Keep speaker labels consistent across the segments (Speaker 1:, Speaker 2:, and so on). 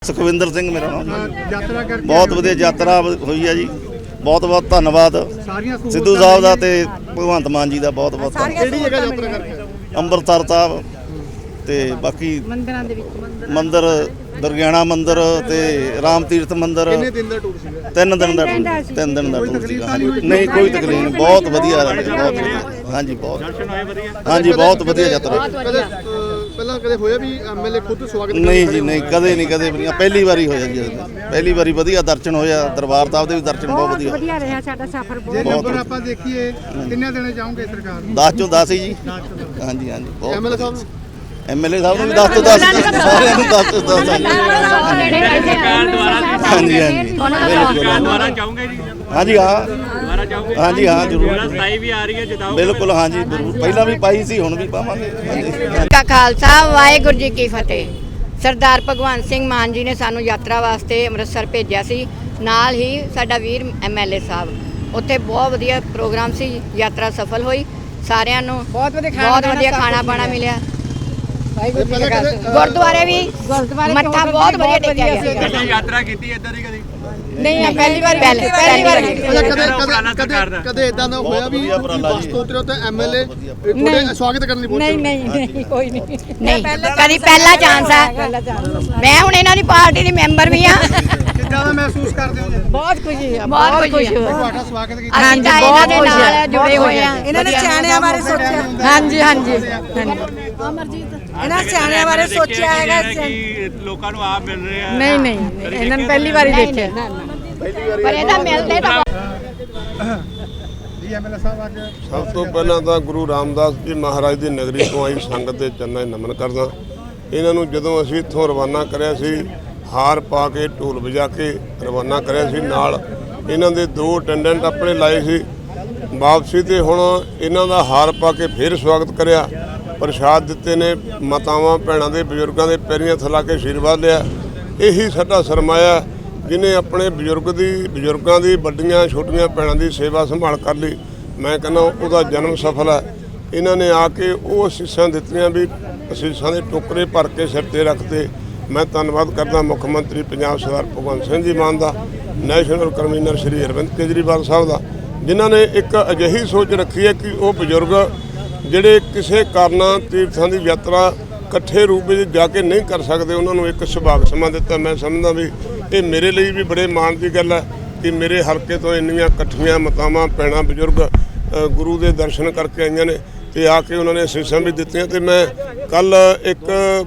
Speaker 1: ਸੁਖਵਿੰਦਰ ਸਿੰਘ ਮੇਰਾ ਨਾਮ
Speaker 2: ਯਾਤਰਾ ਕਰਕੇ
Speaker 1: ਬਹੁਤ ਵਧੀਆ ਯਾਤਰਾ ਹੋਈ ਹੈ ਜੀ। ਬਹੁਤ ਬਹੁਤ ਧੰਨਵਾਦ ਸਿੱਧੂ ਸਾਹਿਬ ਦਾ ਤੇ ਭਗਵੰਤ ਮਾਨ ਜੀ ਦਾ ਬਹੁਤ ਬਹੁਤ
Speaker 2: ਕਿਹੜੀ ਜਗ੍ਹਾ ਯਾਤਰਾ ਕਰਕੇ
Speaker 1: ਅੰਮ੍ਰਿਤਸਰ ਸਾਹਿਬ ਤੇ ਬਾਕੀ
Speaker 3: ਮੰਦਿਰਾਂ ਦੇ ਵਿੱਚ
Speaker 1: ਮੰਦਿਰ ਦੁਰਗਿਆਣਾ ਮੰਦਿਰ ਤੇ ਰਾਮ ਤੀਰਥ ਮੰਦਿਰ।
Speaker 2: ਕਿੰਨੇ ਦਿਨ ਦਾ ਟੂਰ ਸੀਗਾ?
Speaker 1: 3 ਦਿਨ ਦਾ ਟੂਰ ਸੀਗਾ। ਨਹੀਂ ਕੋਈ ਤਕਲੀਫ ਨਹੀਂ, ਬਹੁਤ ਵਧੀਆ ਰਿਹਾ, ਬਹੁਤ ਵਧੀਆ। ਹਾਂਜੀ ਬਹੁਤ ਹਾਂਜੀ ਬਹੁਤ ਵਧੀਆ ਯਾਤਰਾ।
Speaker 2: ਕਦੇ ਪਹਿਲਾਂ ਕਦੇ ਹੋਇਆ ਵੀ ਐਮਐਲਏ ਖੁਦ ਸਵਾਗਤ
Speaker 1: ਨਹੀਂ ਜੀ ਨਹੀਂ, ਕਦੇ ਨਹੀਂ ਕਦੇ ਵੀ ਨਹੀਂ, ਪਹਿਲੀ ਵਾਰੀ ਹੋਇਆ ਜੀ। ਪਹਿਲੀ ਵਾਰੀ ਵਧੀਆ ਦਰਸ਼ਨ ਹੋਇਆ, ਦਰਬਾਰ ਸਾਹਿਬ ਦੇ ਵੀ ਦਰਸ਼ਨ ਬਹੁਤ ਵਧੀਆ।
Speaker 3: ਵਧੀਆ ਰਿਹਾ ਸਾਡਾ ਸਫ਼ਰ
Speaker 2: ਜੇ
Speaker 3: ਬਹੁਤ।
Speaker 2: ਨੰਬਰ ਆਪਾਂ ਦੇਖੀਏ ਕਿੰਨੇ ਦੇਣੇ ਚਾਹੋਗੇ ਸਰਕਾਰ ਨੂੰ?
Speaker 1: 10 ਚੋਂ 10 ਹੀ ਜੀ। ਹਾਂਜੀ ਹਾਂਜੀ ਬਹੁਤ।
Speaker 2: ਐਮਐਲਏ ਸਾਹਿਬ ਨੂੰ
Speaker 1: ਐਮਐਲਏ ਸਾਹਿਬ ਨੂੰ ਵੀ 10 ਤੋਂ 10 ਸਾਰਿਆਂ ਨੂੰ 10 ਤੋਂ 10 ਹਾਂਜੀ ਹਾਂਜੀ
Speaker 4: ਦੁਬਾਰਾ ਚਾਹੂੰਗੇ ਜੀ?
Speaker 1: ਹਾਂਜੀ ਹਾਂ
Speaker 4: ਦੁਬਾਰਾ ਚਾਹੂੰਗੇ?
Speaker 1: ਹਾਂਜੀ ਹਾਂ ਜ਼ਰੂਰ
Speaker 4: 27 ਵੀ ਆ ਰਹੀ ਹੈ, ਜਿਤਾਓ।
Speaker 1: ਬਿਲਕੁਲ ਹਾਂਜੀ ਜ਼ਰੂਰ। ਪਹਿਲਾਂ ਵੀ ਪਾਈ ਸੀ, ਹੁਣ ਵੀ ਪਾਵਾਂਗੇ। ਹਾਂਜੀ
Speaker 5: ਕਾ ਖਾਲਸਾ ਵਾਹਿਗੁਰੂ ਜੀ ਕੀ ਫਤਿਹ। ਸਰਦਾਰ ਭਗਵੰਤ ਸਿੰਘ ਮਾਨ ਜੀ ਨੇ ਸਾਨੂੰ ਯਾਤਰਾ ਵਾਸਤੇ ਅੰਮ੍ਰਿਤਸਰ ਭੇਜਿਆ ਸੀ। ਨਾਲ ਹੀ ਸਾਡਾ ਵੀਰ ਐਮਐਲਏ ਸਾਹਿਬ, ਉੱਥੇ ਬਹੁਤ ਵਧੀਆ ਪ੍ਰੋਗਰਾਮ ਸੀ। ਯਾਤਰਾ ਸਫਲ ਹੋਈ, ਸਾਰਿਆਂ ਨੂੰ ਬਹੁਤ ਵਧੀਆ ਖਾਣਾ ਪਾਣਾ ਮਿਲਿਆ। ਗੁਰਦੁਆਰੇ ਵੀ ਮੱਥਾ ਬਹੁਤ ਵਧੀਆ ਟੇਕਿਆ ਗਿਆ।
Speaker 4: ਕਦੇ ਯਾਤਰਾ ਕੀਤੀ ਇਦਾਂ ਦੀ? ਕਦੀ
Speaker 5: ਨਹੀਂ, ਪਹਿਲੀ ਵਾਰ
Speaker 2: ਕਦੇ ਇਦਾਂ ਦਾ ਹੋਇਆ ਵੀ ਬੱਸ ਤੋਂ ਉਤਰਿਓ ਤੇ ਐਮਐਲਏ ਤੁਹਾਡੇ ਸਵਾਗਤ ਕਰਨ ਲਈ ਪਹੁੰਚੇ?
Speaker 3: ਨਹੀਂ ਕੋਈ ਨਹੀਂ।
Speaker 5: ਨਹੀਂ, ਕਦੀ ਪਹਿਲਾ ਚਾਂਸ ਹੈ। ਮੈਂ ਹੁਣ ਇਹਨਾਂ ਦੀ ਪਾਰਟੀ ਦੀ ਮੈਂਬਰ ਵੀ ਆ।
Speaker 2: ਕਿੱਦਾਂ ਦਾ ਮਹਿਸੂਸ ਕਰਦੇ ਹੋ ਜੀ?
Speaker 3: ਬਹੁਤ ਖੁਸ਼ੀ ਆ,
Speaker 5: ਬਹੁਤ ਖੁਸ਼ੀ ਹੋਈ।
Speaker 2: ਤੁਹਾਡਾ ਸਵਾਗਤ ਕੀਤਾ?
Speaker 5: ਅਸੀਂ ਤਾਂ ਇਹਨਾਂ ਦੇ ਨਾਲ ਜੁੜੇ ਹੋਏ ਆ।
Speaker 3: ਇਹਨਾਂ ਨੇ ਸਿਆਣਿਆਂ ਬਾਰੇ ਸੋਚਿਆ। ਹਾਂਜੀ ਹਾਂਜੀ ਇਹਨਾਂ ਸਿਆਣਿਆਂ ਬਾਰੇ ਸੋਚਿਆ ਹੈਗਾ।
Speaker 4: ਕਿ ਲੋਕਾਂ ਨੂੰ ਆਪ ਮਿਲ ਰਹੇ ਆ।
Speaker 3: ਨਹੀਂ ਇਹਨਾਂ ਨੇ ਪਹਿਲੀ ਵਾਰੀ ਦੇਖਿਆ।
Speaker 5: ਪਰ ਇਹਦਾ ਮਿਲਦੇ ਤਾਂ
Speaker 2: ਜੀ ਐਮਐਲਏ ਸਾਹਿਬ ਅੱਜ
Speaker 6: ਸਭ ਤੋਂ ਪਹਿਲਾਂ ਤਾਂ ਗੁਰੂ ਰਾਮਦਾਸ ਜੀ ਮਹਾਰਾਜ ਦੀ ਨਗਰੀ ਤੋਂ ਆਈ ਸੰਗਤ ਦੇ ਚਰਨਾਂ 'ਚ ਨਮਨ ਕਰਦਾ। ਇਹਨਾਂ ਨੂੰ ਜਦੋਂ ਅਸੀਂ ਇੱਥੋਂ ਰਵਾਨਾ ਕਰਿਆ ਸੀ, ਹਾਰ ਪਾ ਕੇ ਢੋਲ ਵਜਾ ਕੇ ਰਵਾਨਾ ਕਰਿਆ ਸੀ, ਨਾਲ ਇਹਨਾਂ ਦੇ 2 ਅਟੈਂਡੈਂਟ ਆਪਣੇ ਲਾਏ ਸੀ। ਵਾਪਸੀ ਤੇ ਹੁਣ ਇਹਨਾਂ ਦਾ ਹਾਰ ਪਾ ਕੇ ਫਿਰ ਸਵਾਗਤ ਕਰਿਆ, ਪ੍ਰਸ਼ਾਦ ਦਿੱਤੇ ਨੇ, ਮਾਤਾਵਾਂ ਭੈਣਾਂ ਦੇ ਬਜ਼ੁਰਗਾਂ ਦੇ ਪੈਰੀਆਂ ਥਲਾ ਕੇ ਆਸ਼ੀਰਵਾਦ ਲਿਆ। ਇਹੀ ਸਾਡਾ ਸਰਮਾਇਆ, ਜਿਹਨੇ ਆਪਣੇ ਬਜ਼ੁਰਗਾਂ ਦੀ ਵੱਡੀਆਂ ਛੋਟੀਆਂ ਭੈਣਾਂ ਦੀ ਸੇਵਾ ਸੰਭਾਲ ਕਰ ਲਈ। ਮੈਂ ਕਹਿੰਦਾ ਉਹਦਾ ਜਨਮ ਸਫਲ ਹੈ। ਇਹਨਾਂ ਨੇ ਆ ਕੇ ਉਹ ਅਸੀਸਾਂ ਦਿੱਤੀਆਂ ਵੀ ਅਸੀਸਾਂ ਦੇ ਟੋਕਰੇ ਭਰ ਕੇ ਸਿਰ 'ਤੇ ਰੱਖਤੇ। ਮੈਂ ਧੰਨਵਾਦ ਕਰਦਾ ਮੁੱਖ ਮੰਤਰੀ ਪੰਜਾਬ ਸਰਦਾਰ ਭਗਵੰਤ ਸਿੰਘ ਜੀ ਮਾਨ ਦਾ, ਨੈਸ਼ਨਲ ਕਨਵੀਨਰ ਸ਼੍ਰੀ ਅਰਵਿੰਦ ਕੇਜਰੀਵਾਲ ਸਾਹਿਬ ਦਾ, ਜਿਨ੍ਹਾਂ ਨੇ ਇੱਕ ਅਜਿਹੀ ਸੋਚ ਰੱਖੀ ਹੈ ਕਿ ਉਹ ਬਜ਼ੁਰਗ ਜਿਹੜੇ ਕਿਸੇ ਕਾਰਨਾਂ ਤੀਰਥਾਂ ਦੀ ਯਾਤਰਾ ਇਕੱਠੇ ਰੂਪ ਵਿੱਚ ਜਾ ਕੇ ਨਹੀਂ ਕਰ ਸਕਦੇ, ਉਹਨਾਂ ਨੂੰ ਇੱਕ ਸੁਭਾਗ ਸਮਾਂ ਦਿੱਤਾ। ਮੈਂ ਸਮਝਦਾ ਵੀ ਇਹ ਮੇਰੇ ਲਈ ਵੀ ਬੜੇ ਮਾਣ ਦੀ ਗੱਲ ਹੈ ਕਿ ਮੇਰੇ ਹਲਕੇ ਤੋਂ ਇੰਨੀਆਂ ਇਕੱਠੀਆਂ ਮਾਤਾਵਾਂ ਭੈਣਾਂ ਬਜ਼ੁਰਗ ਗੁਰੂ ਦੇ ਦਰਸ਼ਨ ਕਰਕੇ ਆਈਆਂ ਨੇ ਤੇ ਆ ਕੇ ਉਹਨਾਂ ਨੇ ਅਸੀਸਾਂ ਵੀ ਦਿੱਤੀਆਂ। ਤੇ ਮੈਂ ਕੱਲ ਇੱਕ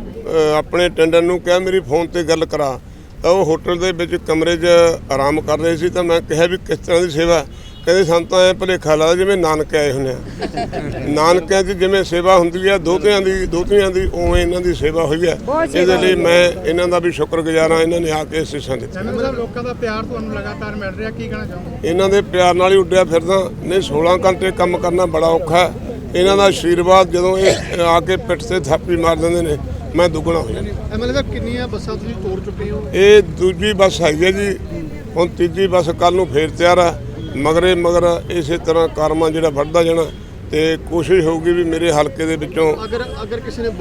Speaker 6: ਆਪਣੇ ਅਟੈਂਡੈਂਟ ਨੂੰ ਕਿਹਾ ਮੇਰੀ ਫੋਨ ਤੇ ਗੱਲ ਕਰਾ, ਤਾਂ ਉਹ ਹੋਟਲ ਦੇ ਵਿੱਚ ਕਮਰੇ 'ਚ ਆਰਾਮ ਕਰ ਰਹੇ ਸੀ। ਤਾਂ ਮੈਂ ਕਿਹਾ ਵੀ ਕਿਸ ਤਰ੍ਹਾਂ ਦੀ ਸੇਵਾ? ਕਹਿੰਦੇ ਸਾਨੂੰ ਤਾਂ ਐ ਭੁਲੇਖਾ ਲੱਗਦਾ ਜਿਵੇਂ ਨਾਨਕੇ ਆਏ ਹੁੰਦੇ ਆ। ਨਾਨਕਿਆਂ 'ਚ ਜਿਵੇਂ ਸੇਵਾ ਹੁੰਦੀ ਆ ਦੋਤਿਆਂ ਦੀ ਉਵੇਂ ਇਹਨਾਂ ਦੀ ਸੇਵਾ ਹੋਈ ਹੈ। ਇਹਦੇ ਲਈ ਮੈਂ ਇਹਨਾਂ ਦਾ ਵੀ ਸ਼ੁਕਰਗੁਜ਼ਾਰ ਹਾਂ। ਇਹਨਾਂ ਨੇ ਆ ਕੇ ਅਸੀਸਾਂ ਦਿੱਤੀਆਂ।
Speaker 2: ਲੋਕਾਂ ਦਾ ਪਿਆਰ ਤੁਹਾਨੂੰ ਲਗਾਤਾਰ ਮਿਲ ਰਿਹਾ, ਕੀ ਕਹਿਣਾ ਚਾਹੋਗੇ?
Speaker 6: ਇਹਨਾਂ ਦੇ ਪਿਆਰ ਨਾਲ ਹੀ ਉੱਡਿਆ ਫਿਰਦਾ। ਨਹੀਂ 16 ਘੰਟੇ ਕੰਮ ਕਰਨਾ ਬੜਾ ਔਖਾ ਹੈ। ਇਹਨਾਂ ਦਾ ਆਸ਼ੀਰਵਾਦ ਜਦੋਂ ਇਹ ਆ ਕੇ ਪਿੱਠ ਤੇ ਥਾਪੀ ਮਾਰ ਦਿੰਦੇ ਨੇ, ਮੈਂ ਦੁੱਗਣਾ ਹੋ ਜਾਂਦਾ।
Speaker 2: ਐਮਐਲਏ ਸਾਹਿਬ ਕਿੰਨੀਆਂ ਬੱਸਾਂ ਤੁਸੀਂ ਤੋੜ ਚੁੱਕੇ ਹੋ?
Speaker 6: ਇਹ ਦੂਜੀ ਬੱਸ ਹੈਗੀ ਹੈ ਜੀ, ਹੁਣ ਤੀਜੀ ਬੱਸ ਕੱਲ ਨੂੰ ਫੇਰ ਤਿਆਰ ਆ। ਮਗਰ ਇਸੇ ਤਰ੍ਹਾਂ ਕਾਰਮਾ ਜਿਹੜਾ ਵੱਧਦਾ ਜਾਣਾ ਤੇ ਕੋਸ਼ਿਸ਼ ਹੋਊਗੀ ਵੀ ਮੇਰੇ ਹਲਕੇ ਦੇ ਵਿੱਚੋਂ
Speaker 2: ਅਗਰ ਕਿਸੇ ਨੇ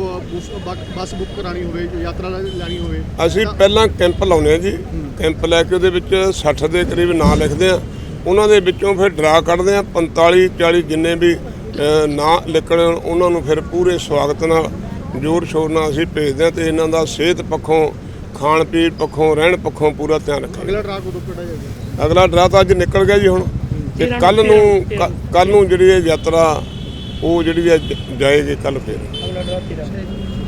Speaker 2: ਬੱਸ ਬੁੱਕ ਕਰਾਣੀ ਹੋਵੇ, ਯਾਤਰਾ ਲੈਣੀ ਹੋਵੇ, ਅਸੀਂ
Speaker 6: ਪਹਿਲਾਂ ਕੈਂਪ ਲਾਉਂਦੇ ਆ ਜੀ। ਕੈਂਪ ਲੈ ਕੇ ਉਹਦੇ ਵਿੱਚ 60 ਦੇ ਕਰੀਬ ਨਾਂ ਲਿਖਦੇ ਆ। ਉਹਨਾਂ ਦੇ ਵਿੱਚੋਂ ਫਿਰ ਡਰਾ ਕੱਢਦੇ ਆ 45-40 ਜਿੰਨੇ ਵੀ ਨਾਂ ਲਿਖਣ ਉਹਨਾਂ ਨੂੰ ਫਿਰ ਪੂਰੇ ਸਵਾਗਤ ਨਾਲ ਜ਼ੋਰ ਸ਼ੋਰ ਨਾਲ ਅਸੀਂ ਭੇਜਦੇ ਆ ਤੇ ਇਹਨਾਂ ਦਾ ਸਿਹਤ ਪੱਖੋਂ, ਖਾਣ ਪੀਣ ਪੱਖੋਂ, ਰਹਿਣ ਪੱਖੋਂ ਪੂਰਾ ਧਿਆਨ ਰੱਖਾਂਗੇ।
Speaker 2: ਅਗਲਾ ਡਰਾ ਕਦੋਂ ਕੱਢਿਆ ਜਾਏਗਾ?
Speaker 6: ਅਗਲਾ ਡਰਾ ਤਾਂ ਅੱਜ ਨਿਕਲ ਗਿਆ ਜੀ। ਹੁਣ ਤੇ ਕੱਲ ਨੂੰ ਜਿਹੜੀ ਇਹ ਯਾਤਰਾ ਉਹ ਜਿਹੜੀ ਜਾਏਗੀ ਕੱਲ ਫਿਰ।